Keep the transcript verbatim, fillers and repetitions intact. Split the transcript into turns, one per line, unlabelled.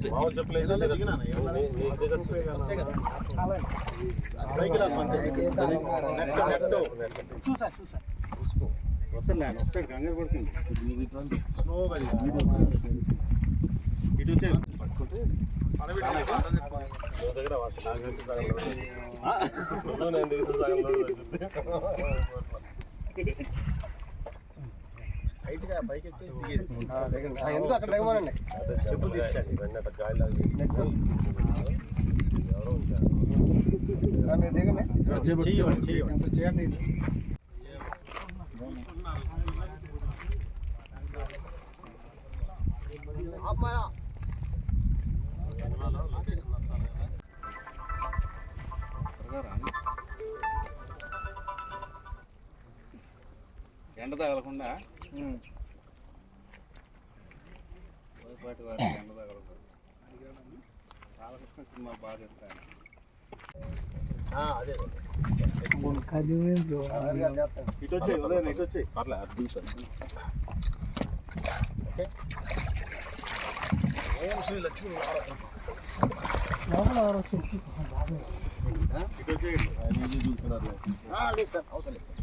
ఎందుకు అక్కడ దిగమనండి. మీరు దిగండి.
ఎండ తగలకుండా పాటి వారికి ఎండ తగలకుండా బాలకృష్ణ సినిమా బాగా చెప్తాను. ఇటు వచ్చాయి ఉదయం ఇటు వచ్చాయి ఓం శ్రీ లక్ష్మీ ఇటు వచ్చేయండి.
లేదు సార్ అవసరం లేదు సార్.